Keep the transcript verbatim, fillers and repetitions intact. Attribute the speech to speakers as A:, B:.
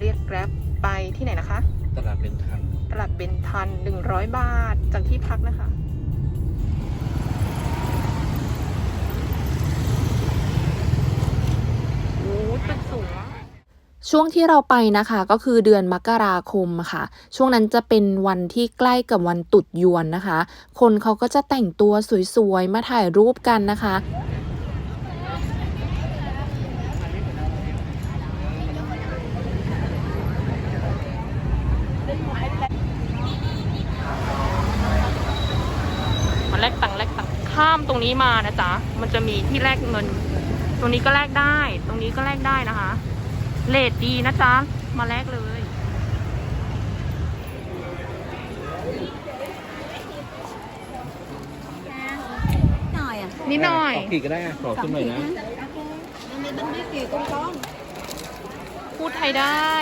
A: เรียกแกร็บไปที่ไหนนะคะ
B: ตลาดเบนทัน
A: ตลาดเบนทันหนึ่งร้อยบาทจากที่พักนะคะโอ้ตึกสูงช่วงที่เราไปนะคะก็คือเดือนมกราคมค่ะช่วงนั้นจะเป็นวันที่ใกล้กับวันตรุษยวนนะคะคนเขาก็จะแต่งตัวสวยๆมาถ่ายรูปกันนะคะมาแลกตังค์แลกตังค์ข้ามตรงนี้มานะจ๊ะมันจะมีที่แลกเงินตรงนี้ก็แลกได้ตรงนี้ก็แลกได้นะคะเรทดีนะจ๊ะมาแลกเลย
C: หน่อยอ่ะ
A: นิดหน่อย
B: ขอขีดก็ได้อะขอขึ้นหน่อยนะ
C: มันมีบันทึกกี่ก้อน
A: พูดไทยได้